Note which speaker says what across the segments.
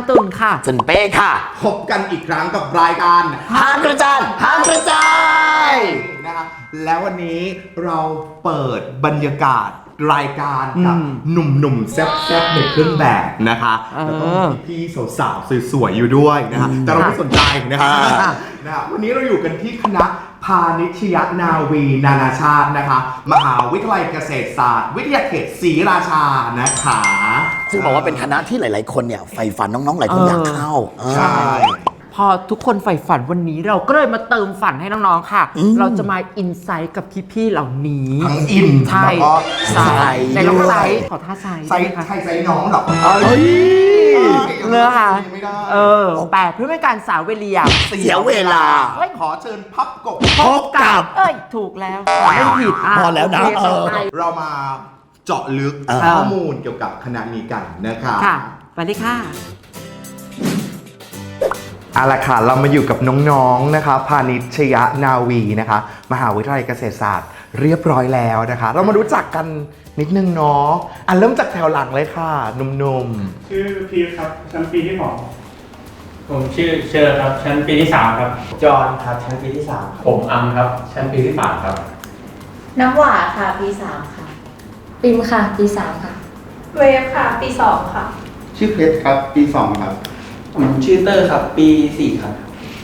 Speaker 1: ตุนค่ะ
Speaker 2: สันเป้ค่ะ
Speaker 3: พบกันอีกครั้งกับรายการ
Speaker 2: หากระจายหากระจาย
Speaker 3: นะคะแล้ววันนี้เราเปิดบรรยากาศรายการกับหนุ่มๆแซ่บๆในเครื่องแบบนะคะแล้วก็มีพี่สาวๆสวยๆอยู่ด้วยนะคะแต่เราไม่สนใจนะคะวันนี้เราอยู่กันที่คณะพาณิชยนาวีนานาชาตินะคะมหาวิทยาลัยเกษตรศาสตร์วิทยาเขตศรีราชานะคะ
Speaker 2: ซึ่งบอกว่าเป็นคณะที่หลายๆคนเนี่ยใฝ่ฝันน้องๆหลายคนอยากเข้า
Speaker 3: ใช่
Speaker 1: พอทุกคนใฝ่ฝันวันนี้เราก็เลยมาเติมฝันให้น้องๆค่ะเราจะมาอินไซต์กับพี่ๆเหล่านี้
Speaker 3: ทั้งอิน
Speaker 1: ใช่
Speaker 3: แล้วก็
Speaker 1: ใส่ในน้องไซต์ขอท่าไซต์
Speaker 3: ใช่น้องหรอ
Speaker 1: เนื้อค่ะแต่เพื่อไม่การสาวเวลีย
Speaker 2: เสียเวลา
Speaker 3: ขอเชิญพับกบ
Speaker 2: พบกับ
Speaker 1: ถูกแล้วไม่ผิด
Speaker 2: พอแล้วนะ
Speaker 3: เรามาเจาะลึกข้อมูลเกี่ยวกับคณะนี้กันนะคะ
Speaker 1: ค่ะไปเลยค่ะ
Speaker 3: เอาละค่ะเรามาอยู่กับน้องๆนะคะพาณิชยนาวีนะคะมหาวิทยาลัยเกษตรศาสตร์เรียบร้อยแล้วนะคะเรามารู้จักกันนิดนึงเนาะเริ่มจากแถวหลังเลยค่ะหนุ่ม
Speaker 4: ๆชื่อพีทครับชั้นปีที่2ผมชื่อเชอร์ครับชั้นปีที่3ครับ
Speaker 5: จอห์นครับชั้นปีที่3ผมอัมครับชั้นปีที่3ครับ
Speaker 6: น้ำหวานค่ะปี3ค่ะ
Speaker 7: ปิมค่ะปี3ค่ะ
Speaker 6: เวฟค่ะปี2ค่ะ
Speaker 8: ชื่อเพชรครับปี2ครับ
Speaker 5: ผมชื่อเตอร์ครับปี4ครับ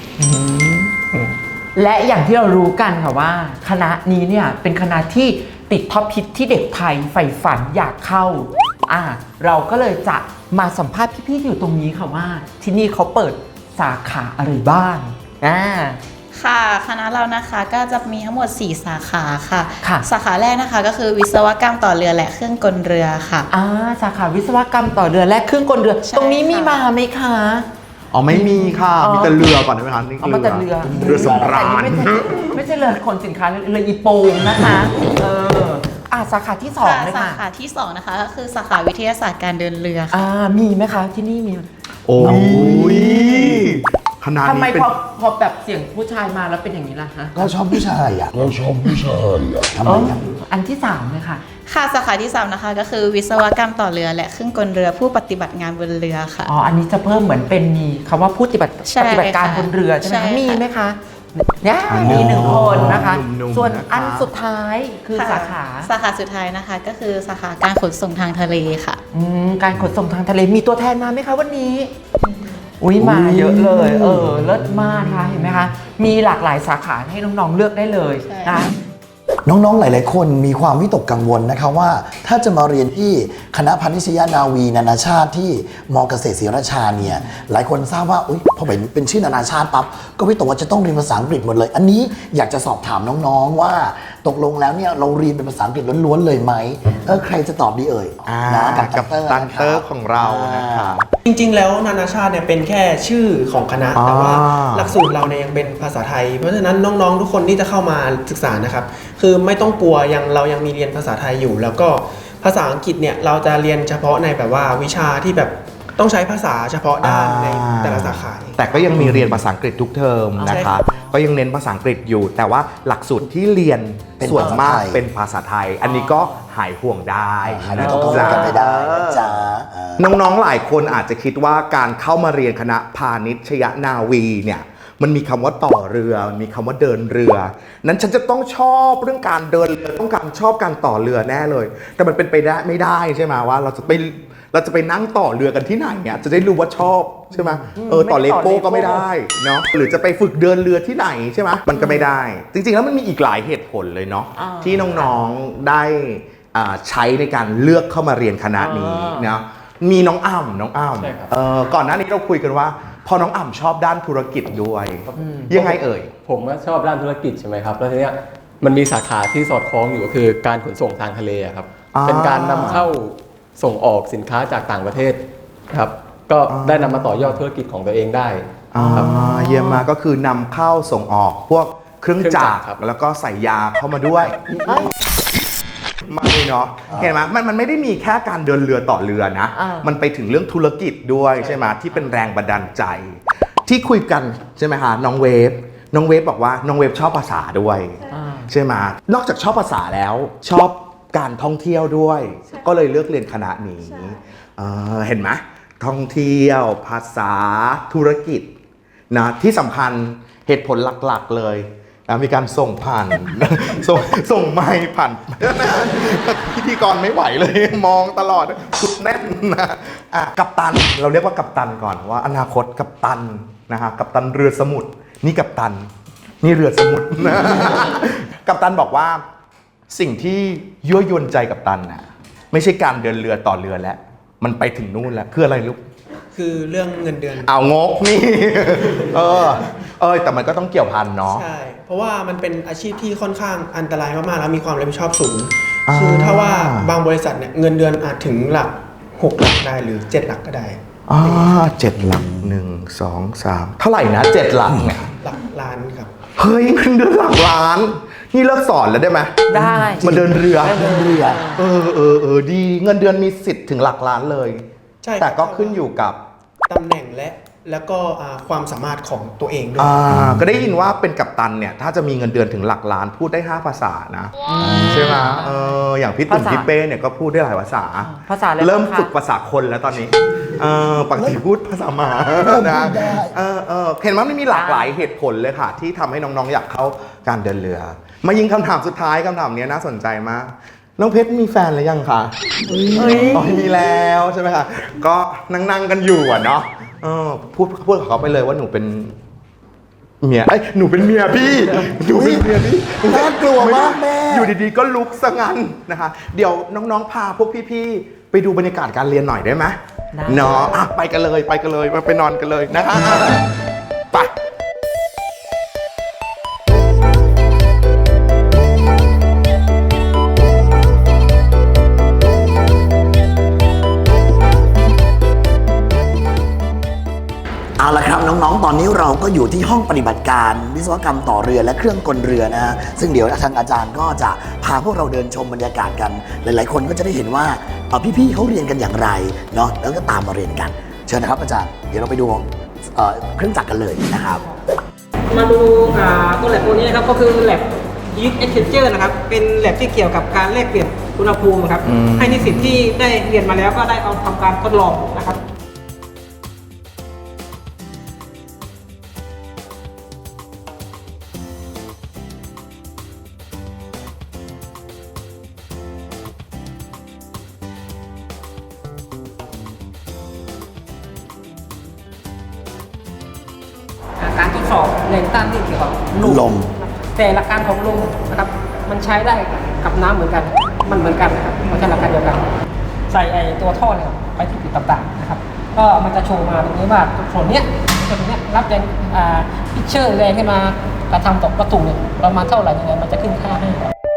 Speaker 1: และอย่างที่เรารู้กันค่ะว่าคณะนี้เนี่ยเป็นคณะที่ติดท็อปฮิตที่เด็กไทยใฝ่ฝันอยากเข้าเราก็เลยจะมาสัมภาษณ์พี่ๆอยู่ตรงนี้ค่ะว่าที่นี่เขาเปิดสาขาอะไรบ้าง
Speaker 6: ค่ะคณะเรานะคะก็จะมีทั้งหมด4สาขาค่ะสาขาแรกนะคะก็คือวิศวกรรมต่อเรือและเครื่องกลเรือค่ะ
Speaker 1: สาขาวิศวกรรมต่อเรือและเครื่องกลเรือตรงนี้มีมาไหมคะ
Speaker 3: ไม่มีค่ะมีแต่เรือก่อนใช่ไหมคะนี่
Speaker 1: คือเ
Speaker 3: รือสำราญ
Speaker 1: ไม่ใช่เรือขนสินค้าเรืออีโปงนะคะสาขาที่2เลยค่ะ
Speaker 6: สาขาที่2นะคะก็คือสาขาวิทยาศาสตร์การเดินเรือค่ะ
Speaker 1: มีไหมคะที่นี่มี
Speaker 3: โอ้ยขนาดนี้
Speaker 1: ทำไมพอแบบเสียงผู้ชายมาแล้วเป็นอย่างนี้ล่ะฮะ
Speaker 2: เราชอบผู้ชายทำไม
Speaker 1: อันที่3เลยค่ะ
Speaker 6: ค่ะสาขาที่3นะคะก็คือวิศวกรรมต่อเรือและเครื่องกลเรือผู้ปฏิบัติงานบนเรือค่ะ
Speaker 1: อันนี้จะเพิ่มเหมือนเป็นมีคำว่าผู้ปฏิบัติการบนเรือใช่ไหมคะมีไหมคะเนี่ยมี1คนนะคะส่วนอันสุดท้ายคือสาขา
Speaker 6: สุดท้ายนะคะก็คือสาขาการขนส่งทางทะเลค่ะ
Speaker 1: การขนส่งทางทะเลมีตัวแทนมาไหมคะวันนี้มาเยอะเลยเลิศมากนะคะเห็นไหมคะมีหลากหลายสาขาให้น้องๆเลือกได้เลยนะ
Speaker 2: น้องๆหลายๆคนมีความวิตกกังวลนะคะว่าถ้าจะมาเรียนที่คณะพาณิชยนาวีนานาชาติที่ม.เกษตรศรีราชาเนี่ยหลายคนทราบว่าพอเป็นชื่อนานาชาติปั๊บก็วิตกว่าจะต้องเรียนภาษาอังกฤษหมดเลยอันนี้อยากจะสอบถามน้องๆว่าตกลงแล้วเนี่ยเราเรียนเป็นภาษาอังกฤษล้วนๆเลยไหมใครจะตอบดีเอ่ย
Speaker 3: กับตันเตอร์ของเรานะคะ
Speaker 5: จริงๆแล้วนานาชาติเนี่ยเป็นแค่ชื่อของคณะแต่ว่าหลักสูตรเราเนี่ยยังเป็นภาษาไทยเพราะฉะนั้นน้องๆทุกคนที่จะเข้ามาศึกษานะครับคือไม่ต้องกลัวเรายังมีเรียนภาษาไทยอยู่แล้วก็ภาษาอังกฤษเนี่ยเราจะเรียนเฉพาะในแบบว่าวิชาที่แบบต้องใช้ภาษาเฉพาะด้านในแต่ละสาขา
Speaker 3: แต่ก็ยังมีเรียนภาษาอังกฤษทุกเทอมนะคะก็ยังเน้นภาษาอังกฤษอยู่แต่ว่าหลักสูตรที่เรียนส่วนมากเป็นภาษาไทยอันนี้ก็หายห่วงได้
Speaker 2: นะจ๊ะไม่ได้จ้า
Speaker 3: น้องๆหลายคนอาจจะคิดว่าการเข้ามาเรียนคณะพาณิชยนาวีเนี่ยมันมีคำว่าต่อเรือมันมีคำว่าเดินเรือนั้นฉันจะต้องชอบเรื่องการเดินเรือต้องการชอบการต่อเรือแน่เลยแต่มันเป็นไปได้ไม่ได้ใช่ไหมว่าเราจะไปนั่งต่อเรือกันที่ไหนเนี่ยจะได้รู้ว่าชอบใช่ไหมต่อเลโก้ก็ไม่ได้เนาะหรือจะไปฝึกเดินเรือที่ไหนใช่ไหมมันก็ไม่ได้จริงๆแล้วมันมีอีกหลายเหตุผลเลยเนาะที่น้องๆได้ใช้ในการเลือกเข้ามาเรียนคณะนี้เนาะมีน้องอ้ำก่อนหน้านี้เราคุยกันว่าพอน้องอ่ำชอบด้านธุรกิจด้วยยังไงเอ่ย
Speaker 9: ผมก็ชอบด้านธุรกิจใช่ไหมครับแล้วทีเนี้ยมันมีสาขาที่สอดคล้องอยู่ก็คือการขนส่งทางทะเลครับเป็นการนำเข้าส่งออกสินค้าจากต่างประเทศครับก็ได้นำมาต่อยอดธุรกิจของตัวเองได้
Speaker 3: ครับเยี่ยมมากก็คือนำเข้าส่งออกพวกเครื่องจักรแล้วก็ใส่ยาเข้ามาด้วยไม่เนาะเห็นไหมมันไม่ได้มีแค่การเดินเรือต่อเรือนะมันไปถึงเรื่องธุรกิจด้วยใช่ไหมที่เป็นแรงบันดาลใจที่คุยกันใช่ไหมคะน้องเวฟบอกว่าน้องเวฟชอบภาษาด้วยใช่ไหมนอกจากชอบภาษาแล้วชอบการท่องเที่ยวด้วยก็เลยเลือกเรียนคณะนี้เห็นไหมท่องเที่ยวภาษาธุรกิจนะที่สำคัญเหตุผลหลักๆเลยนะมีการส่งผ่าน ส่งไมค์ผ่าน พิธีกรไม่ไหวเลยมองตลอดสุดแน่นนะกัปตันเราเรียกว่ากัปตันก่อนว่าอนาคตกัปตันนะฮะกัปตันเรือสมุทรนี่กัปตันนี่เรือสมุทรนะ กัปตันบอกว่าสิ่งที่ยั่วยวนใจกัปตันน่ะไม่ใช่การเดินเรือต่อเรือแล้วมันไปถึงนู่นแล้วคืออะไรลูก
Speaker 5: คือเรื่องเงินเดือน
Speaker 3: เอางกนี่ แต่มันก็ต้องเกี่ยวพันเนาะ
Speaker 5: ใช่ เพราะว่ามันเป็นอาชีพที่ค่อนข้างอันตรายมากๆแล้วมีความรับผิดชอบสูง คือถ้าว่าบางบริษัทเนี่ยเงินเดือนอาจถึงหลัก6 หลักได้หรือ7 หลักก็ได้
Speaker 3: 7 หลัก1 2 3เท่าไหร่นะ7 หลักเนี่ย
Speaker 5: หลักล้านครับ
Speaker 3: เฮ้ยเงินเดือนหลักล้าน นี่เลิกสอนแล้วได้ไหม
Speaker 1: ได้
Speaker 3: มาเดินเรือ
Speaker 2: เดินเรือ
Speaker 3: ดีเงินเดือนมีสิทธิ์ถึงหลักล้านเลย
Speaker 5: ใช่
Speaker 3: แต่ก็ขึ้นอยู่กับ
Speaker 5: ตำแหน่งแล้วก็ความสามารถของตัวเองด้วย
Speaker 3: ก็ได้ยินว่าเป็นกัปตันเนี่ยถ้าจะมีเงินเดือนถึงหลักล้านพูดได้5 ภาษานะใช่ไหมอย่างพี่ตุ่นพี่เป้เนี่ยก็พูดได้หลายภาษา
Speaker 1: ภาษาอะไร
Speaker 3: เริ่ม
Speaker 1: บ้างคะ
Speaker 3: ฝึกภาษาคนแล้วตอนนี้ปกติพูดภาษาหมานะเห็นว่ามันมีหลากหลายเหตุผลเลยค่ะ ที่ทำให้น้องๆอยากเข้าการเดินเรือ มายิงคำถามสุดท้ายคำถามนี้น่าสนใจมากน้องเพชรมีแฟนหรือยังคะมีแล้วใช่ไหมคะก็นั่งกันอยู่อะเนาะพูดกับเขาไปเลยว่าหนูเป็นเมียหนูเป็นเมียพี่หนูเป็นเมียพี่
Speaker 2: น่ากลัวมากแม่
Speaker 3: อยู่ดีๆก็ลุกซะงั้นนะคะเดี๋ยวน้องๆพาพวกพี่ๆไปดูบรรยากาศการเรียนหน่อยได้ไหมเนาะไปกันเลยมาไปนอนกันเลยนะคะไป
Speaker 2: เอาละครับน้องๆ ตอนนี้เราก็อยู่ที่ห้องปฏิบัติการวิศวกรรมต่อเรือและเครื่องกลเรือนะฮะซึ่งเดี๋ยวทางอาจารย์ก็จะพาพวกเราเดินชมบรรยากาศกัน หลายๆ คนก็จะได้เห็นว่าพี่ๆเขาเรียนกันอย่างไรเนาะแล้วก็ตามมาเรียนกันเชิญนะครับอาจารย์เดี๋ยวเราไปดูเครื่องจักรกันเลยนะครับ
Speaker 10: มาดูตัวแลบตัวนี้นะครับก็คือแลบHeat Exchanger นะครับเป็นแลบที่เกี่ยวกับการแลกเปลี่ยนอุณหภูมิครับให้นิสิตที่ได้เรียนมาแล้วก็ได้เอาทำการทดลองนะครับการทดสอบแรงต้านที่เกี่ยวกับลมแต่หลักการของลมนะครับมันใช้ได้กับน้ำเหมือนกันมันเหมือนกันนะครับมันใช้หลักการเดียวกันใส่ตัวท่อเนี่ยไปที่จุดต่างๆนะครับก็มันจะโชว์มาตรงนี้ว่าส่วนเนี้ยรับแรงพิชเชอร์แรงขึ้นมากระทำต่อวัตถุเนี่ยประมาณเท่าไหร่ยังไงมันจะขึ้นค่าให้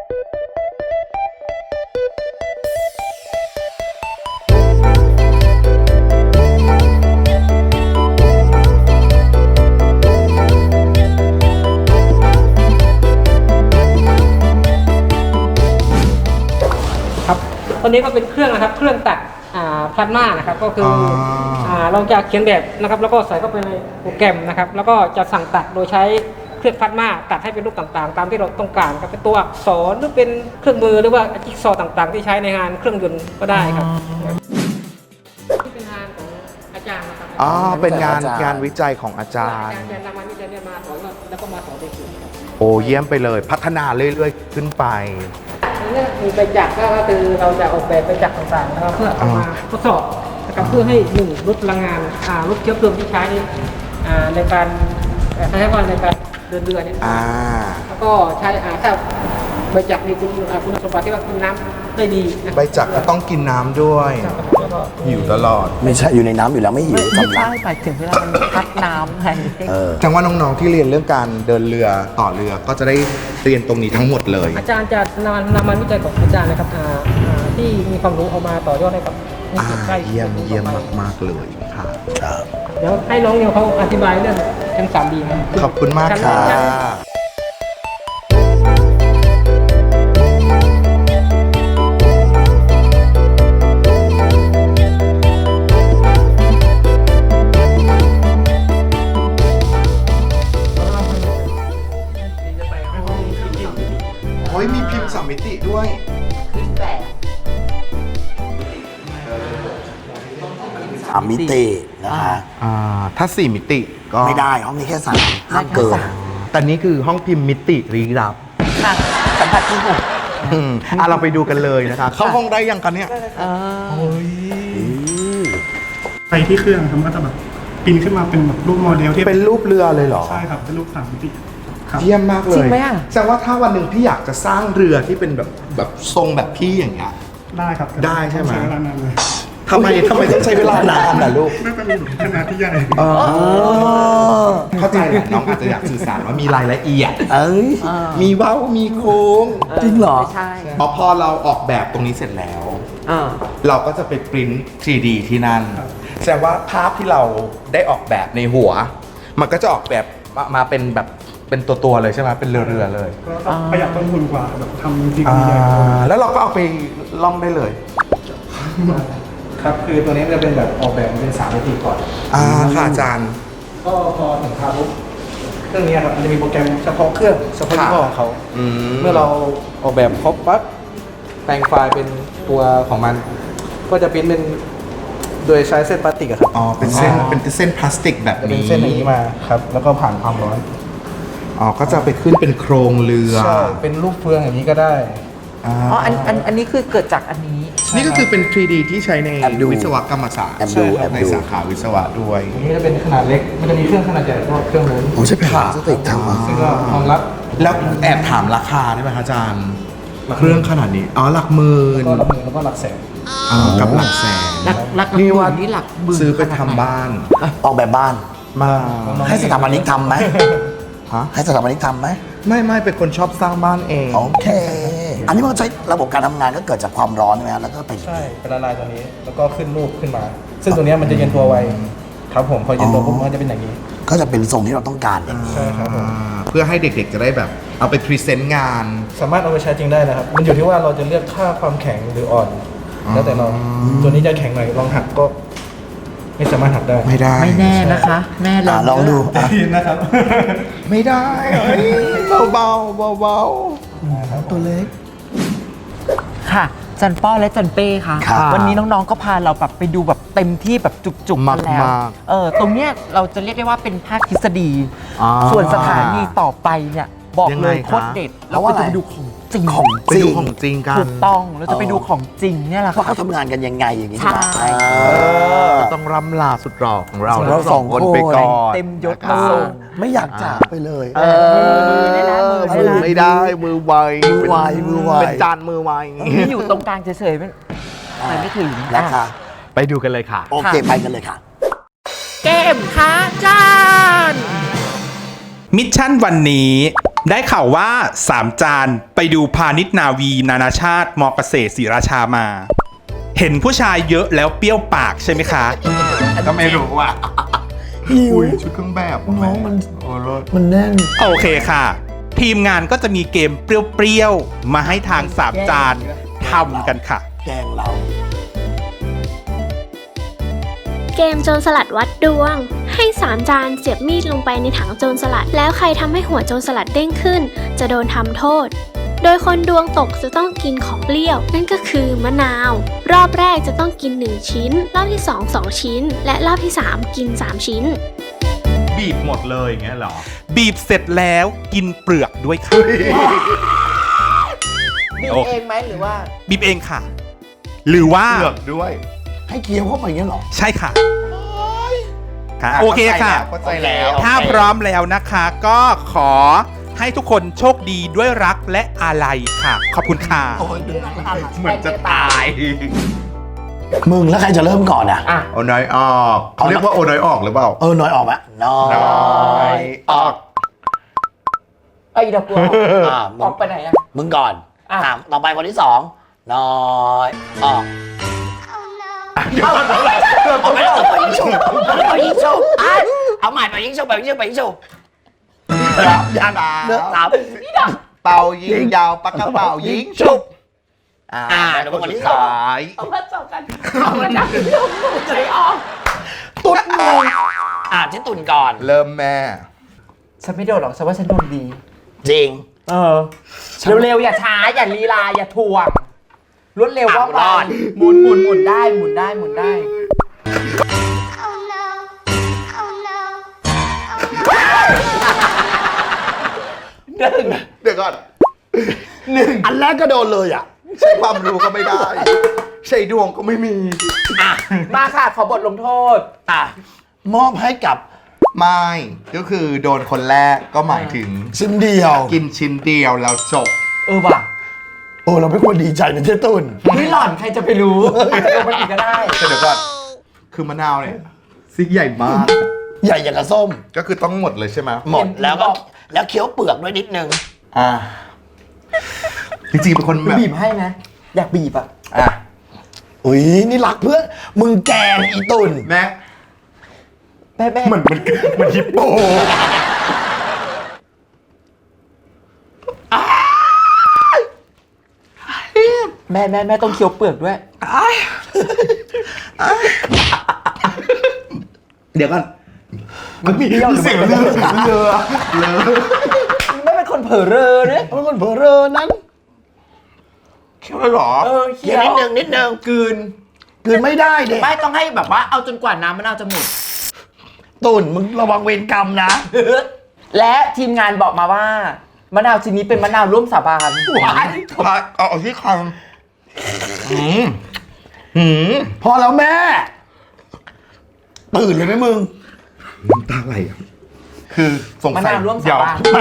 Speaker 10: ตัวนี้ก็เป็นเครื่องนะครับเครื่องตัดพลาสมานะครับก็คือเราจะเขียนแบบนะครับแล้วก็ใส่เข้าไปในโปรแกรมนะครับแล้วก็จะสั่งตัดโดยใช้เครื่องพลาสมาตัดให้เป็นรูปต่างๆตามที่เราต้องการครับเป็นตัวอักษรหรือเป็นเครื่องมือหรือว่าจิ๊กซอว์ต่างๆที่ใช้ในงานเครื่องยนต์ก็ได้ครับที่เป็นงานของอาจารย์นะครับ
Speaker 3: เป็นงานวิจัยของอาจารย์
Speaker 10: นำงานวิจัยเนี่ยมาสอนแล้วก็มาสอนเด็ก
Speaker 3: โอ้เยี่ยมไปเลยพัฒนาเรื่อยๆขึ้นไป
Speaker 10: นี่มีไปจักก็คือเราจะออกแบบไปจักต่างๆนะครับเพื่อเอามาทดสอบนะครับเพื่อให้ลดพลังงานลดเชื้อเพลิงที่ใช้ในการใช้ในการเดินเรือเนี่ยแล้วก็ใช้ถ้าใบจักรมีคุณสมบัติที่ว่ากินน้ำได้ดี
Speaker 3: ใบจักรก็ต้องกินน้ำด้วยหิวตลอด
Speaker 2: ไม่ใช่อยู่ในน้ำอยู่แล้วไม่หิว
Speaker 1: ไม่ใช่หมายถึงเวลามันพัดน้ำไง
Speaker 3: จังว่าน้องๆที่เรียนเรื่องการเดินเรือต่อเรือก็จะได้เรียนตรงนี้ทั้งหมดเลย
Speaker 10: อาจารย์จะนำงานวิจัยของอาจารย์นะครับที่มีความรู้เอามาต่อยอดให้กับ
Speaker 3: เยี่ยมมากๆเลยค่ะ
Speaker 10: เดี๋ยวให้น้องเขาอธิบายเรื่องชั้น 3D
Speaker 3: ขอบคุณมากค่ะโอ้ยมีพิมพ์3 มิติด้วย
Speaker 2: 3 มิตินะคะ
Speaker 3: ถ้า 4 มิติก็
Speaker 2: ไม่ได้ห้องนี้แค่3ห้ามเกิน
Speaker 3: แต่นี้คือห้องพิมพ์มิติลี้ลับ
Speaker 1: ค่ะสัมผัสที่หก
Speaker 3: เราไปดูกันเลยนะคะ เข้าห้องได้ยังกันเนี่ย
Speaker 4: ไปที่เครื่องครับก็จะแบบปิ้นขึ้นมาเป็นแบบรูปโมเดลที่
Speaker 3: เป็นรูปเรือเลยเหรอ
Speaker 4: ใช่ครับเป็นรูป3 มิติครับ
Speaker 3: เยี่ยมมากเลย
Speaker 1: จริงไหมอ่ะ
Speaker 3: แสดงว่าถ้าวันหนึ่งพี่อยากจะสร้างเรือที่เป็นแบบทรงแบบพี่อย่างเงี้ย
Speaker 4: ได้ครับ
Speaker 3: ได้ใช่ไหม
Speaker 4: ใช้เวลานานเลย
Speaker 3: ทำไมต้องใช้เวลานานล่ะลูก
Speaker 4: น่าจะมีขนาดที่ใหญ่
Speaker 3: เข้าใจแหละน้องอาจจะอยากสื่อสารว่ามีรายละเอียด
Speaker 2: เอ้ย
Speaker 3: มีเว้ามีโค้ง
Speaker 2: จริงเหรอ
Speaker 1: ไม่ใช่
Speaker 3: พอเราออกแบบตรงนี้เสร็จแล้ว
Speaker 1: อ่า
Speaker 3: เราก็จะไปปริ้น 3D ที่นั่น แสดงว่าภาพที่เราได้ออกแบบในหัว มันก็จะออกแบบมาเป็นแบบเป็นตัวเลยใช่ไหมเป็นเรือๆเลย
Speaker 4: ก็ต้องประหยัดต้นทุนกว่าแบบทำจริงๆใหญ่
Speaker 3: แล้วเราก็เอาไปล่องได้เลย
Speaker 5: ครับคือตัวนี้จะเป็นแบบออกแบบเป็น3 มิติก่อน
Speaker 3: ค่ะอาจารย์
Speaker 5: ก็พอถึงคาปุ๊บเครื่องนี้ครับมันจะมีโปรแกรมเฉพาะเครื่องเฉพาะยี่ห้อของเขา เมื่อเราออกแบบครบปั๊บแปลงไฟล์เป็นตัวของมัน ก็จะพิมพ์เป็นโดยใช้เส้นพลาสติกอะครับ
Speaker 3: อ๋อ เป็นเส้นพลาสติกแบบ
Speaker 5: จะเป็น
Speaker 3: นี้
Speaker 5: เส้นอย่างนี้มาครับแล้วก็ผ่านความร้อน
Speaker 3: อ๋อ ก็จะไปขึ้นเป็นโครงเรือ
Speaker 5: ใช่เป็นรูปเฟืองอย่างนี้ก็ได้
Speaker 1: อ๋ออันนี้คือเกิดจากอันนี้
Speaker 3: นี่ก็คือเป็น 3D ที่ใช้ใน
Speaker 2: แอบดู
Speaker 3: วิศวกรรมศาสตร์
Speaker 2: แอบดูแอบดู
Speaker 3: ในสาขาวิศวะด้วย
Speaker 5: อันนี้จะเป็นขนาดเล็กมันจะมีเครื่องขนาดใหญ่ก็เครื่องนู้น
Speaker 2: โอ้ใช่แผ่นพลาสติกทำมา
Speaker 5: ซึ่งก็รองรับ
Speaker 3: แล้วแอบถามราคาได้ไหมคะอาจารย์ เครื่องขนาดนี้ อ๋อ หลักหมื่น
Speaker 5: ก็หลักหมื่นแล้วก็หลักแสน
Speaker 3: กับหลักแสน
Speaker 1: หลัก
Speaker 3: นี่ว่า
Speaker 1: นี่หลักหมื่น
Speaker 3: ซื้อไปทำบ้าน
Speaker 2: ออกแบบบ้าน
Speaker 3: มา
Speaker 2: ให้สถาปนิกทำไหม
Speaker 3: ฮะ
Speaker 2: ให้สถาปนิกทำไหม
Speaker 3: ไม่เป็นคนชอบสร้างบ้านเอง
Speaker 2: โอเค อันนี้มันใช้ระบบการทำงานก็เกิดจากความร้อนใช่ไหมฮะแล้วก็ไป
Speaker 5: ใช่เป็นละลายตัวนี้แล้วก็ขึ้นรูปขึ้นมา ซึ่งตัวเนี้ยมันจะเย็นตัวไวครับผมพอเย็นตัวปุ๊บมันก็จะเป็นอย่างนี้
Speaker 2: ก็จะเป็นทรงที่เราต้องการอย่างนี้
Speaker 5: ใช่ครับผม
Speaker 3: เพื่อให้เด็กๆจะได้แบบ เอาไปพรีเซนต์งาน
Speaker 5: สามารถเอาไปใช้จริงได้นะครับ มันอยู่ที่ว่าเราจะเลือกค่าความแข็งหรืออ่อน แล้วแต่เราตัวนี้จะแข็งหน่อยลองหักก็ ไม่สามารถหักได้
Speaker 3: ไม่ได้
Speaker 1: ไม่แน่นะคะ แม่ลอง
Speaker 2: ลองดู
Speaker 5: ได้ยินนะครับ
Speaker 3: ไม่ได้เบา
Speaker 2: ตัวเล็ก
Speaker 1: ค่ะ จันป้อและจันเป้ค่ะ
Speaker 2: ครับ
Speaker 1: วันนี้น้องๆก็พาเราแบบไปดูแบบเต็มที่แบบจุกๆกันแล้ว
Speaker 3: มาก
Speaker 1: ตรงเนี้ยเราจะเรียกได้ว่าเป็นภาคทฤษฎี
Speaker 3: อ่า
Speaker 1: ส่วนสถานีต่อไปเนี่ยบอก
Speaker 3: ยัง
Speaker 1: เล
Speaker 3: ไง
Speaker 1: ย
Speaker 3: คะ
Speaker 1: โคตรเด็ด
Speaker 2: เพ
Speaker 1: เรา
Speaker 2: ราะว่า
Speaker 1: ก็จะ
Speaker 2: อะไร
Speaker 1: ไปดูของจริง
Speaker 2: ของ
Speaker 3: ไปดูของจริงกัน
Speaker 1: ถูกต้องเราจะไปดูของจริงเนี่ยแหละ
Speaker 2: ว่า
Speaker 1: ค่ะ
Speaker 2: เขาทำงานกันยังไงอย่างนี้
Speaker 1: ใช่
Speaker 3: ก็ต้องร่ำลาสุดหล่อของเรา
Speaker 2: เราสองคน
Speaker 3: ไปก่อน
Speaker 1: เต็มยศ
Speaker 3: นะ
Speaker 1: มา
Speaker 3: คะ
Speaker 1: ส่ง
Speaker 2: ไม่อยากจากไปเลย
Speaker 1: มือได้นะมือได้นะ
Speaker 3: ไม่ได้มือไว
Speaker 2: มือไวมือไว
Speaker 3: เป็นจานมือไว
Speaker 1: นี่อยู่ตรงกลางเฉยๆไม่ถึง
Speaker 2: นะคะ
Speaker 3: ไปดูกันเลยค่ะ
Speaker 2: โอเคไปกันเลยค่ะ
Speaker 1: เกมท้าจาน
Speaker 11: มิชชั่นวันนี้ได้ข่าวว่า 3 จานไปดูพาณิชย์นาวีนานาชาติมอเกษตรศรีราชามา เห็นผู้ชายเยอะแล้วเปรี้ยวปากใช่ไหมคะ
Speaker 3: ก็ไม่รู้อ่ะ
Speaker 2: หิว
Speaker 3: อุ้ยชุดเครื่องแบบ
Speaker 2: น้องมัน
Speaker 3: โอ้รถ
Speaker 2: มันแน่น
Speaker 11: โอเคค่ะ ทีมงานก็จะมีเกมเปรี้ยวๆ มาให้ทาง 3 จานทำกันค่ะ
Speaker 2: แกงเรา
Speaker 12: เกมโจรสลัดวัดดวง ให้3 จานเสียบมีดลงไปในถังโจรสลัด แล้วใครทำให้หัวโจรสลัดเด้งขึ้น จะโดนทำโทษ โดยคนดวงตกจะต้องกินของเปรี้ยว นั่นก็คือมะนาว รอบแรกจะต้องกิน1 ชิ้น รอบที่ 2 2 ชิ้น และรอบที่ 3 กิน 3 ชิ้น
Speaker 3: บีบหมดเลยอย่างเงี้ยเหรอ
Speaker 11: บีบเสร็จแล้วกินเปลือกด้วยค่ะ
Speaker 1: บีบเองไหมหรือว่า
Speaker 11: บีบเองค่ะ หรือว่า
Speaker 3: เลือกด้วย
Speaker 2: ให้เคี้ยวเข้าไปอย่างนี้เหรอ
Speaker 11: ใช่ค่ะค่ะโอเคค่ะ
Speaker 3: เข้าใจแล้ว
Speaker 11: ถ้าพร้อมแล้วนะคะ ก็ขอให้ทุกคนโชคดีด้วยรักและอาลัยค่ะ ขอบคุณค่ะ
Speaker 3: เหมือนจะตาย
Speaker 2: มึงแล้วใครจะเริ่มก่อนอ่ะ
Speaker 3: โอน้อยออกเขาเรียกว่าโอน้อยออกหรือเปล่า
Speaker 2: น้อยออกไหมน้อย
Speaker 3: ออก
Speaker 1: ไอ้ดอกบัว
Speaker 2: มึ
Speaker 1: อง อกไปไหนอะ
Speaker 2: มึงก่อน
Speaker 1: อ่ะ
Speaker 2: ต่อไปคนที่2น้อยออกเอาไม่ออกไปยิงฉุบไปยิงฉุบเอาใหม่ไปยิงฉุบไปยิงฉุบไปยิงฉุบ
Speaker 3: ยาดา
Speaker 2: เลือกสาม
Speaker 3: เป่ายิงยาวปากกระเป๋ายิงฉุบ
Speaker 2: เดี๋ยวคนที่
Speaker 3: สาย
Speaker 1: เอามาจับกันเอามาจับกันเอามาใจออก
Speaker 2: ตุ่นที่ตุ่นก่อน
Speaker 3: เริ่มแม่
Speaker 1: ฉันไม่โดนหรอกฉันว่าฉันโดนดี
Speaker 2: จริง
Speaker 1: เร็วๆอย่าช้าอย่าลีลาอย่าถ่วงรวดเร็วว่า
Speaker 2: รอด
Speaker 1: หมุนได้หมุนได้
Speaker 3: เดี๋ยวก่อน
Speaker 2: อันแรกก็โดนเลยอ่ะ
Speaker 3: ใช้ความรู้ก็ไม่ได้ ใช้ดวงก็ไม่มี
Speaker 1: มาค่ะขอบทลงโทษ
Speaker 2: มอบให้กับ
Speaker 3: ไม่ก็คือโดนคนแรกก็หมายถึง
Speaker 2: ชิ้นเดียว
Speaker 3: กินชิ้นเดียวแล้วจบ
Speaker 1: ว่ะ
Speaker 2: เราไม่ควรดีใจนะเจ๊ตุน
Speaker 1: ไม่หล่อนใครจะไปรู้อาจจะโดนมันอีกก็ได้
Speaker 3: แต่เดี๋ยวก่อนคือมะนาวเนี่ยซิกใหญ่มาก
Speaker 2: ใหญ่อย่างกับส้ม
Speaker 3: ก็คือต้องหมดเลยใช่ไหม
Speaker 2: หมดแล้วเคี้ยวเปลือกด้วยนิดนึง
Speaker 3: จริงๆเป็นคนแบบ
Speaker 1: บีบให้นะอยากบีบอ่ะ
Speaker 2: อุ้ยนี่รักเพื่อนมึงแกงอีตุน
Speaker 3: แม่
Speaker 1: เหมือน
Speaker 3: ฮิปโป
Speaker 1: แม่ต้องเคี้ยวเปลือกด้วย
Speaker 3: เดี๋ยวก่อน
Speaker 1: มันมีเดียว
Speaker 3: เสียงเรือ
Speaker 1: ไม่เป็นคนเผลอเรอเนี่ย
Speaker 2: เป็นคนเผลอเรอนั้น
Speaker 3: เคี้ยวเลยเหรอ
Speaker 2: เคี้ยวนิดนึงกลืนไม่ได้เด็ก
Speaker 1: ไม่ต้องให้แบบว่าเอาจนกว่าน้ำมะนาวจะหมด
Speaker 2: ตุนมึงระวังเวรกรรมนะ
Speaker 1: และทีมงานบอกมาว่ามะนาวชิ้นนี้เป็นมะนาวร่วมสาบาน
Speaker 3: เอาที่คำ
Speaker 2: พอแล้วแม่ ตื่นเลยไหมมึง
Speaker 3: น้ำตาไหลอ่ะคือสง
Speaker 1: มะ
Speaker 3: สัย
Speaker 1: นาวร่วมสาบาน
Speaker 2: ไม่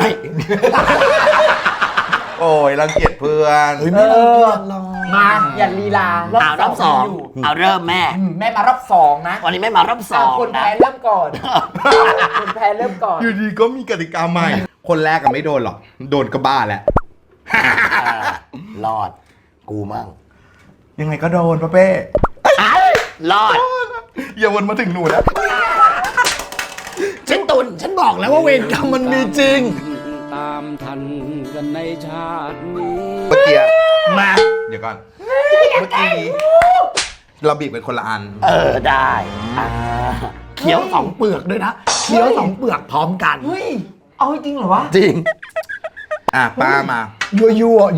Speaker 3: โอ้ยรังเกียจเพื่อน
Speaker 2: ไม่รังเกียจหรอก
Speaker 1: มาอย่าลีลารอบสองอยู่
Speaker 2: เอาเริ่มแม่
Speaker 1: แม่มารอบสองนะ
Speaker 2: วันนี้ไม่มารอบสอง
Speaker 1: คนแพ้เริ่มก่อน คนแพ้เริ่มก่อน
Speaker 3: อยู่ดีก็มีกติกาใหม่ คนแรกก็ไม่โดนหรอก โดนก็บ้าแหละ
Speaker 2: รอด กูมั่ง
Speaker 3: ยังไงก็โดนป้าเป้
Speaker 2: รอด
Speaker 3: อย่าวนมาถึงหนูนะ
Speaker 2: ฉันตุนฉันบอกแล้วว่าเวรกรรมมันมีจริง
Speaker 13: ตามทันกันในชาตินี้
Speaker 3: เมื่อกี้
Speaker 2: มา
Speaker 3: เดี๋ยวก่อน เมื่อกี้เราบีบเป็นคนละอัน
Speaker 2: ได้เคี้ยวสองเปลือกด้วยนะเคี้ยวสองเปลือกพร้อมกัน
Speaker 1: เฮ้ย เอาจริงเหรอวะ
Speaker 2: จริง
Speaker 3: ป้ามา
Speaker 2: ยั่ว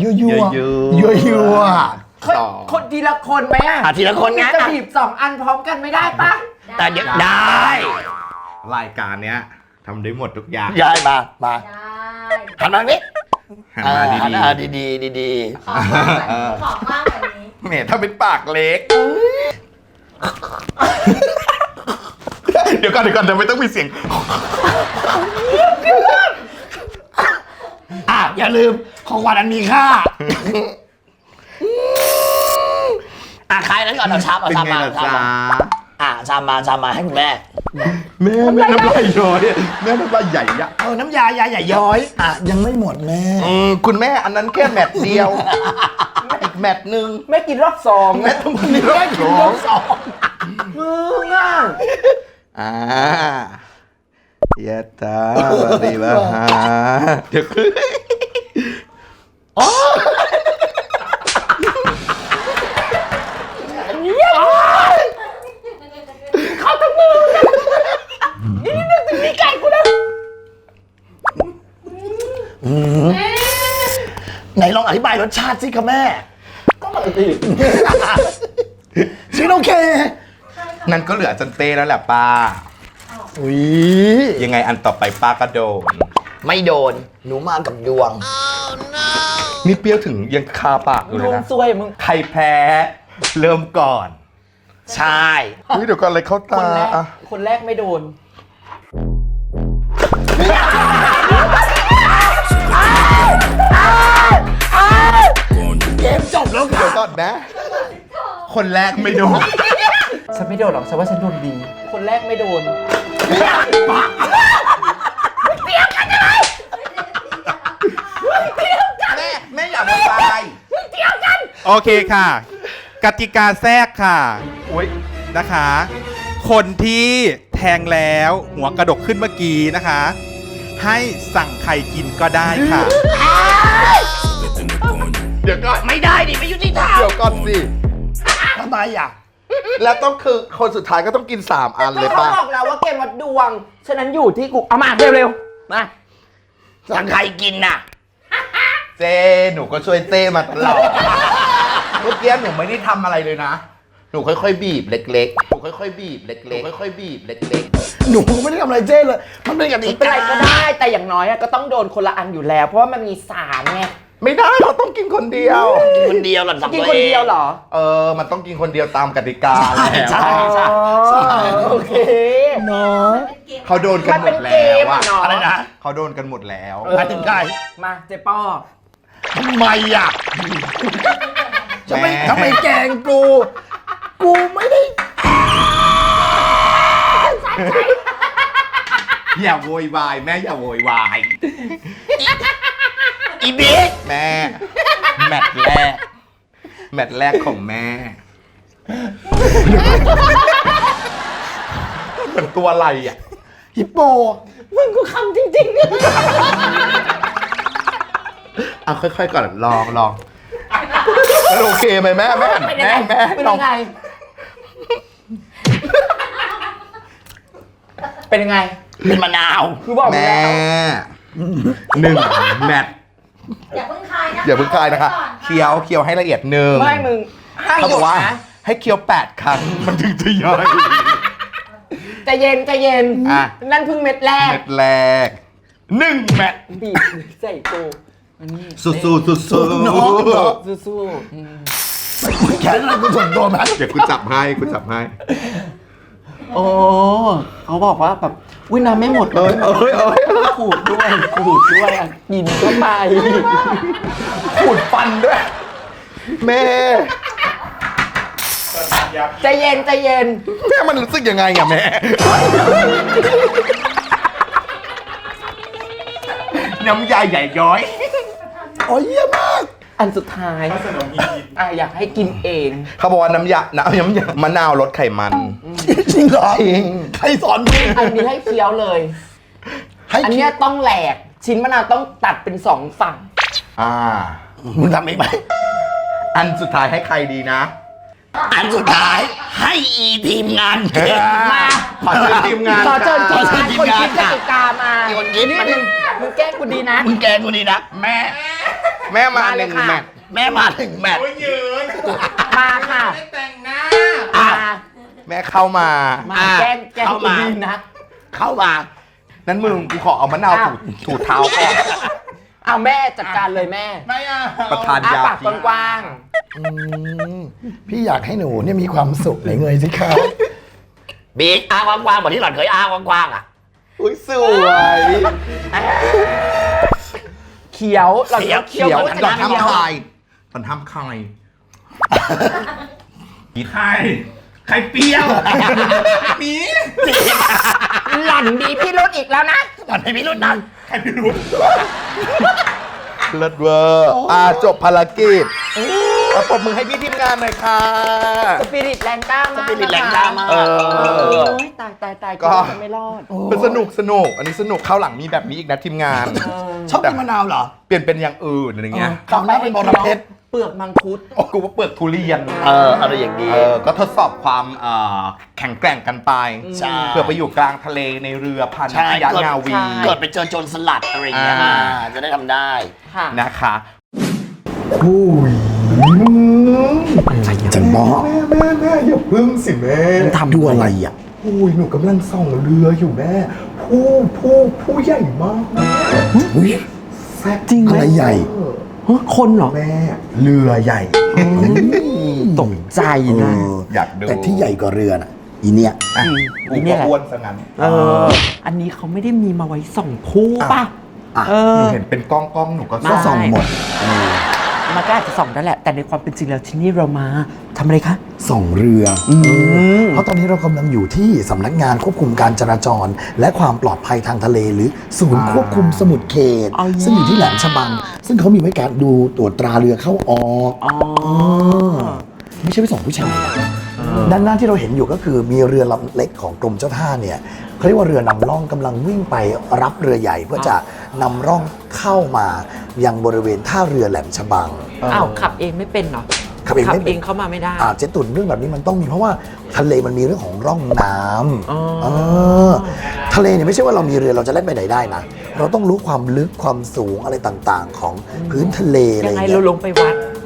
Speaker 1: คนทีละคนไหมอ่ะ
Speaker 2: ทีละคนไง
Speaker 1: จะบีบ2 อันพร้อมกันไม่ได้ปะ
Speaker 2: แต่เดี๋ยวได้
Speaker 3: รายการเนี้ยทำได้หมดทุกอย่าง
Speaker 2: ยายมาหันมานี้
Speaker 3: หันมาดี
Speaker 2: ดี
Speaker 7: ขอมากกว่านี้
Speaker 3: ๆแหมถ้าเป็นปากเล็ก เดี๋ยวก่อนจะไม่ต้องมีเสียง
Speaker 2: อย่าลืมของขวัญอันมีค่าใครนั้นก่อนเอาชาม
Speaker 3: เป็นไงล่ะจ๊ะ
Speaker 2: ชามมาให้คุณแม่
Speaker 3: แม่น้ำลายย้อยแม่น้ำลายใหญ่ยะ
Speaker 2: น้ำยาย้อยยังไม่หมดแม่
Speaker 3: คุณแม่อันนั้นแค่แมตช์เดียว อีกแมตช์หนึ่ง
Speaker 1: ไม่กินรอบ2
Speaker 3: แม่ต้องมีรอบสอง
Speaker 1: มึงอ่ะ
Speaker 3: ยะตาบาริบาฮาเดี๋ยวคือ
Speaker 1: เขาทั้งมือนี่นึกถึงนี่ไก่กูนะ
Speaker 2: ไหนลองอธิบายรสชาติสิคะแม่ ก็ปกติชิ้นโอเค
Speaker 3: นั่นก็เหลือจันเต้แล้วแหละป้า ยังไงอันต่อไปป้าก็โดน
Speaker 2: ไม่โดนหนูมากับดวง
Speaker 3: นี่เปรี้ยวถึงยังคาปากอยู่
Speaker 1: ล
Speaker 3: เลย
Speaker 1: ง
Speaker 3: นะ
Speaker 1: ซวยมึง
Speaker 3: ใครแพ้เริ่มก่อน
Speaker 2: ใช่
Speaker 3: เดี๋ยวก่อนอะไรเข้า
Speaker 1: ค
Speaker 3: ตาน
Speaker 1: แรกคนแรกไม่โดน
Speaker 2: เกมจบแล้ว
Speaker 3: เดี๋ยวก่อนนะ คนแรกไม่โดน
Speaker 1: ฉันไม่โดนหรอกฉันว่าฉันโดนดี คนแรกไม่โดน
Speaker 3: แม่อย่ามาตาย
Speaker 11: โอเคค่ะ กติกาแทรกค่ะนะคะ คนที่แทงแล้วหัวกระดกขึ้นเมื่อกี้นะคะ ให้สั่งใครกินก็ได้ค่ะ
Speaker 3: เดี๋ยวก่อน
Speaker 2: ไม่ได้ดิไม่ยุติธรรม
Speaker 3: เดี๋ยวก่อนสิ
Speaker 2: ทำไมอ่ะ
Speaker 3: แล้วต้องคือคนสุดท้ายก็ต้องกิน3 อันเลย
Speaker 1: เขา
Speaker 3: ป่ะ
Speaker 1: บอกแล้วว่าเกมวัดดวง ฉะนั้นอยู่ที่กู เอามาเร็วๆ มา
Speaker 2: สั่งใครกินน่ะ
Speaker 3: เจหนูก็ช่วยเต้มาตลอด เมื่อกี้หนูไม่ได้ทำอะไรเลยนะหนูค่อยๆบีบเล็กๆหนูค่อยๆบีบเล็กๆค่อยๆบีบเล็ก
Speaker 2: หนูไม่ได้ทำอะไรเจ้เลย มันเป็นกติ
Speaker 1: ไม่เป็น
Speaker 2: กา
Speaker 1: ไรก็ได้แต่อย่างน้อยอะก็ต้องโดนคนละอันอยู่แล้ว เพราะว่ามันมี3ไง
Speaker 3: ๆไม่ได้เขาต้องกินคนเดียว
Speaker 2: คนเดียวหล่อน
Speaker 1: จะ
Speaker 2: ทำ
Speaker 1: กิน
Speaker 2: ตัว
Speaker 1: คน
Speaker 2: เอง
Speaker 1: เดียวเหรอ
Speaker 3: มันต้องกินคนเดียวตามกติกาแล้ว
Speaker 2: ใช่ใช่ใช่
Speaker 1: โอเค
Speaker 2: เนาะ
Speaker 3: เขาโดนกันหมด
Speaker 1: มันเป็นเก
Speaker 3: แล้ว
Speaker 1: มอะเนาะ
Speaker 2: อะไรนะ
Speaker 3: เขาโดนกันหมดแล้ว
Speaker 2: หมายถึงใคร
Speaker 1: มาเจ๊ป้อ
Speaker 2: ทำไมอ่ะทำไมแกล้งกู กูไม่ได้
Speaker 3: อย่าโวยวายแม่อย่าโวยวาย
Speaker 2: อีบิ๊ก
Speaker 3: แม่แมตช์แรกของแม่เหมือนตัวอะไรอ่ะ
Speaker 2: ฮิปโป
Speaker 1: มึงกูคำจริงๆเนี่ย
Speaker 3: เอาค่อยๆก่อนลองมันโอเคไหมแม่แม่
Speaker 1: เป็นยังไง
Speaker 3: แม่
Speaker 1: เป็น
Speaker 3: ลอ
Speaker 1: ยัง งไงเป็นยังไง
Speaker 2: เป็นมะนาว
Speaker 1: คือบอก
Speaker 3: แม่
Speaker 1: แล้ว
Speaker 3: 1 แมตช์
Speaker 7: อย่าเพิ่งคายนะ
Speaker 3: อย่าเพิ่งคายนะคะ เคี้ยวให้ละเอียด1
Speaker 1: ไม่มึงห้าม
Speaker 3: เขา
Speaker 1: ห
Speaker 3: บ
Speaker 1: ยุ
Speaker 3: อ
Speaker 1: ด
Speaker 3: กว่า
Speaker 1: นะ
Speaker 3: ให้เคี้ยว8 ครั้งมันถึงจะย่อย
Speaker 1: ใจเย็นใจเย็น
Speaker 3: อ่ะ
Speaker 1: นั่นเพิ่งเม็ดแรก
Speaker 3: เม็ดแรก1 แมตช์
Speaker 1: บีบใส่กูอันนี้
Speaker 3: สู้ๆ
Speaker 2: น้องเหรอ
Speaker 1: สู้
Speaker 2: แขนอะไรกูส่วนตัวไหม
Speaker 3: เดี๋ยวกูจับให้
Speaker 1: ๆโอ้เขาบอกว่าแบบอุ้ยน้ำไม่หมดเลยขูดด้วยอ่ะกินเข้าไป
Speaker 3: ขูดฟันด้วย แม่
Speaker 1: ใจเย็นใจเย็น
Speaker 3: แม่มันรู้สึกยังไงอะแม่ น้ำยาใหญ่ย้อย
Speaker 2: โอ้ยเยี่ยมมาก
Speaker 1: อันสุดท้ายอยากให้กินเอง
Speaker 3: เขาบอกว่าน้ำยามะนาวลดไขมัน
Speaker 2: จริงเหรอ
Speaker 3: จริง
Speaker 2: ใครสอนมึง
Speaker 1: อันนี้ให้เคี้ยวเลย อันเนี้ยต้องแหลก ชิ้นมะนาวต้องตัดเป็น2 ฝั่ง
Speaker 2: มึงทำเองไหม
Speaker 3: อันสุดท้ายให้ใครดีนะ
Speaker 2: อันสุดท้ายให้อีทีมงานเก่ง
Speaker 1: มา
Speaker 3: ขอเชิญทีมงาน
Speaker 1: ขอเชิญ
Speaker 2: ขอเชิญที
Speaker 1: ค
Speaker 2: ม
Speaker 1: น
Speaker 2: งาน
Speaker 1: คิดกติกามา
Speaker 2: คนคิด
Speaker 1: นี่
Speaker 2: มาดิ
Speaker 1: มึงแกล้งกูดีนะ
Speaker 2: มึงแกงกูดีนะแม่
Speaker 3: แม่มา
Speaker 1: มาเลย
Speaker 3: 1
Speaker 1: ค่ะ
Speaker 3: แมตช์
Speaker 2: แม่มาถึงแมตช์
Speaker 1: มาค่ะ
Speaker 2: อ่ะ
Speaker 3: แม่เข้ามา
Speaker 1: มาแกล้งกู
Speaker 2: เข้ามา
Speaker 1: ดีนะ
Speaker 2: เข้ามา
Speaker 3: นั้นมึงกูขอเอามะนาวถูเท้าก่อน
Speaker 1: เอาแม่จัดการเลยแม่
Speaker 3: ประทาน
Speaker 1: อ้าย
Speaker 3: า
Speaker 1: ปาก
Speaker 3: พิษ
Speaker 1: กว้าง
Speaker 2: พี่อยากให้หนูเนี่ยมีความสุขไหนเงยสิครับบิ๊กอ้ากว้างๆเหมือนที่หล่อนเคยอ้ากว้างๆอ่ะ
Speaker 3: อุ้ยสวย
Speaker 1: ๆเขียวเราต้องเคี้ยว
Speaker 3: เขียว
Speaker 1: กับ
Speaker 3: ตอน
Speaker 1: น้ำเคี้ยว
Speaker 3: ทำคายตอนทำคายใครเปรี้ยวมี
Speaker 1: หล่อนดีพี่รุดอีกแล้วนะ
Speaker 2: หล่อนให้พี่รุ่นนั้น
Speaker 3: ใครไม่รู้เลิศเวอร์จบภารกิจเอาปรบมือให้พี่ทีมงานหน่อยค่ะ
Speaker 1: สปิริตแรงกล้ามาก
Speaker 2: สปิริตแรงกล้ามาก
Speaker 1: โอ้ยตาย
Speaker 3: ก็
Speaker 1: จะไม่รอด
Speaker 3: เป็นสนุกอันนี้สนุกเข้าวหลังมีแบบนี้อีกนะทีมงาน
Speaker 2: ชอบกินมะนาวเหรอ
Speaker 3: เปลี่ยนเป็นอย่างอื่นอะไรเงี้ย
Speaker 2: คราวหน้าเป็นบอระเพ็ด
Speaker 1: เปลือกมังคุด
Speaker 3: โอ้กูว่าเปลือกทุเรียน
Speaker 2: อะไรอย่างนี้
Speaker 3: ก็ทดสอบความแข็งแกร่งกันไป
Speaker 2: ใช่
Speaker 3: เพื่อไปอยู่กลางทะเลในเรือพัน
Speaker 2: ใช่
Speaker 3: ยะนาวี
Speaker 2: เกิดไปเจอโจรสลัดอะไรอย่างเงี้ย จะได้ทำได้
Speaker 1: ค่ะ
Speaker 3: นะคะ
Speaker 2: จันบอ
Speaker 3: แม่อย่าพึ่งสิแม่
Speaker 2: ทำดูอะไรอ่ะ
Speaker 3: อุ้ยหนูกำลังส่องเรืออยู่แม่ผู้ใหญ่มาก
Speaker 2: อุ้ย
Speaker 3: แซ่บ
Speaker 1: จริงไหม
Speaker 2: อะไรใหญ่
Speaker 1: คนเหรอ
Speaker 3: แม่เรือใหญ่
Speaker 1: ตกใจนะ
Speaker 3: อยากดู
Speaker 2: แต่ที่ใหญ่กว่าเรือน่ะ อีเนี่ย
Speaker 3: กูก็อ้วนซะงั้น
Speaker 1: อันนี้เขาไม่ได้มีมาไว้ส่องผู้ป่ะ
Speaker 3: หนูเห็นเป็นกล้องหนูก็
Speaker 2: ก็ส่องหมด
Speaker 1: มันก็อาจจะส่องได้แหละ แต่ในความเป็นจริงแล้วที่นี่เรามาทำอะไรคะ
Speaker 2: ส่องเรือ เพราะตอนนี้เรากำลังอยู่ที่สำนักงานควบคุมการจราจร และความปลอดภัยทางทะเลหรือศูนย์ควบคุมสมุทรเขต ซึ่งอยู่ที่แหลมฉบัง ซึ่งเขามีไว้การดูตรวจตราเรือเข้าออกไม่ใช่ไปส่องผู้ชายนะด้านหน้าที่เราเห็นอยู่ก็คือมีเรือลำเล็กของกรมเจ้าท่าเนี่ยเขาเรียกว่าเรือนำร่องกำลังวิ่งไปรับเรือใหญ่ เพื่อจะนำร่องเข้ามายังบริเวณท่าเรือแหลมฉบัง
Speaker 1: อ้าวขับเองไม่เป็นเหรอ
Speaker 2: ขับเองไม่เป็น
Speaker 1: เข้ามาไม่ได้
Speaker 2: เจ๊ตุ่นเรื่องแบบนี้มันต้องมีเพราะว่าทะเลมันมีเรื่องของร่องน้ำทะเลเนี่ยไม่ใช่ว่าเรามีเรือเราจะเล่นไปไหนได้นะเราต้องรู้ความลึกความสูงอะไรต่างๆ ของพื้นทะเลอะไร
Speaker 1: ยั
Speaker 2: อง ย่าง
Speaker 1: ไง
Speaker 2: เงี้
Speaker 1: เรา
Speaker 2: ย
Speaker 1: ลงไปวัด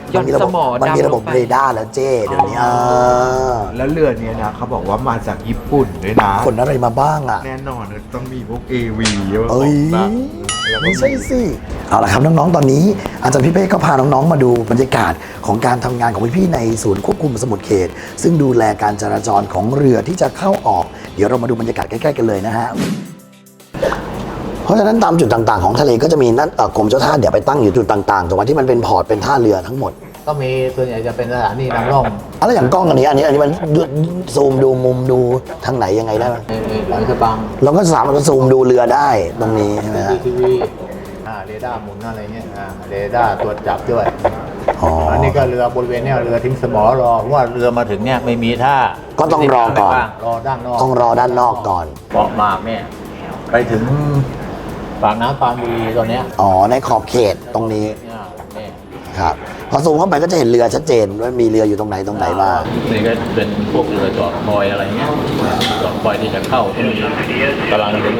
Speaker 1: หย่อนสมอ
Speaker 2: มันมี
Speaker 1: ดำ
Speaker 2: ระบบ
Speaker 1: ลงไป
Speaker 2: เรดาร์แล้วเจ้เดี๋ยวนี้
Speaker 3: แล้วเรือเนี้ยนะเขาบอกว่ามาจากญี่ปุ่นด้วยนะ
Speaker 2: ขนอะไรมาบ้างอ่ะ
Speaker 3: แน่นอนต้องมีพวก AV
Speaker 2: เอ้ยไม่ใช่สิเอาละครับน้องๆตอนนี้อาจารย์พี่เป้ก็พาน้องๆมาดูบรรยากาศของการทำงานของพี่ๆในศูนย์ควบคุมสมุทรเขต ซึ่งดูแลการจราจรของเรือที่จะเข้าออกเดี๋ยวเรามาดูบรรยากาศใกล้ๆกันเลยนะฮะเพราะฉะนั้นตามจุดต่างๆของทะเลก็จะมีนั่นกรมเจ้าท่าเดี๋ยวไปตั้งอยู่จุดต่างๆตรงที่มันเป็นพอร์ตเป็นท่าเรือทั้งหมด
Speaker 14: ก็มีส่วนใหญ่จะเป็นสถานีนำร่อง
Speaker 2: อะไรอย่างกล้องอันนี้มันซูมดูมุมดูทางไหนยังไงได้ไหม
Speaker 14: หลังกระบัง
Speaker 2: เราก็สามารถซูมดูเรือได้ตรงนี้ใช่ไหมฮะ
Speaker 14: ทีวีเรดาร์หมุนอะไรเงี้ยเรดาร์ตรวจจับด้วย
Speaker 2: อั
Speaker 14: นนี้ก็เรือบริเวณเนี้ยเรือทิ้งสมอรอเพราะว่าเรือมาถึงเนี่ยไม่มีท่า
Speaker 2: ก็ต้องรอก่อน
Speaker 14: รอด้านนอก
Speaker 2: ต้องรอด้านนอกก่อน
Speaker 14: เกาะหมากเนี่ยไปถึงปากน้ำปานบุรีตอนเนี้ย
Speaker 2: อ๋อในขอบเขตตรงนี้
Speaker 14: เนี่ย
Speaker 2: ครับพอซูมเข้าไปก็จะเห็นเรือชัดเจนว่ามีเรืออยู่ตรงไหนบ้าง
Speaker 14: นี่ก็เป็นพวกเรือจอดคอยอะไรเงี้ยจอดคอยที่จะเข้าที่มีกำลังเดิน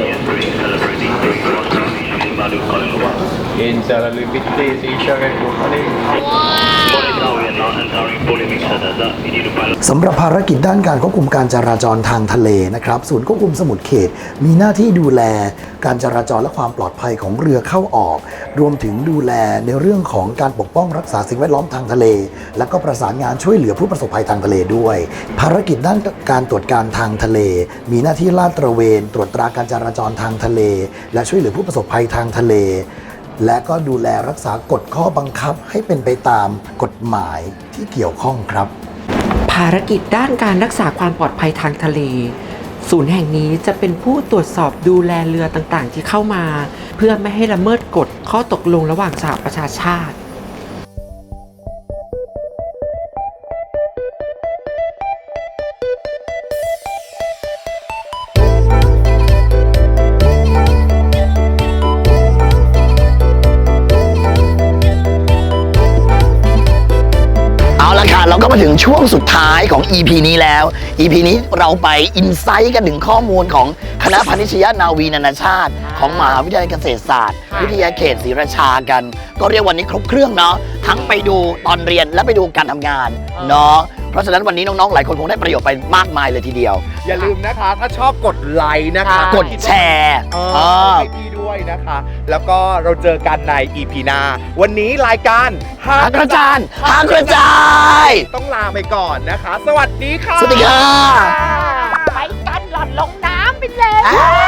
Speaker 14: In Salivity Seashore Company
Speaker 2: สำหรับภารกิจด้านการควบคุมการจราจรทางทะเลนะครับศูนย์ควบคุมสมุทรเขต มีหน้าที่ดูแลการจราจรและความปลอดภัยของเรือเข้าออก รวมถึงดูแลในเรื่องของการปกป้องรักษาสิ่งแวดล้อมทางทะเล และก็ประสานงานช่วยเหลือผู้ประสบภัยทางทะเลด้วย ภารกิจด้านการตรวจการทางทะเล มีหน้าที่ลาดตระเวน ตรวจตราการจราจรทางทะเล และช่วยเหลือผู้ประสบภัยทางทะเล และก็ดูแลรักษากฎข้อบังคับให้เป็นไปตามกฎหมายที่เกี่ยวข้องครับ
Speaker 1: ภารกิจด้านการรักษาความปลอดภัยทางทะเล ศูนย์แห่งนี้จะเป็นผู้ตรวจสอบดูแลเรือต่างๆ ที่เข้ามา เพื่อไม่ให้ละเมิดกฎข้อตกลงระหว่างสหประชาชาติ
Speaker 2: เอาละค่ะเราก็มาถึงช่วงสุดท้ายของ EP นี้แล้ว EP นี้เราไปอินไซต์กันถึงข้อมูลของคณะพาณิชยนาวีนานาชาติ ของมหาวิทยาลัยเกษตรศาสตร์ วิทยาเขตศรีราชากัน ก็เรียกวันนี้ครบเครื่องเนาะทั้งไปดูตอนเรียนและไปดูการทำงานเนาะเพราะฉะนั้นวันนี้น้องๆหลายคนคงได้ประโยชน์ไปมากมายเลยทีเดียว
Speaker 3: อย่าลืมนะคะ ถ้าชอบกดไลค์นะคะ
Speaker 2: กดแชร์
Speaker 3: ให้พี่ด้วยนะคะ แล้วก็เราเจอกันใน EP หน้าวันนี้รายการ
Speaker 2: หากระจานหากระจาย
Speaker 3: ต้องลาไปก่อนนะคะ สวัสดีค่ะ
Speaker 2: สวัสดีค่ะ
Speaker 7: ไปกันหล่อนลงน้ำไปเลย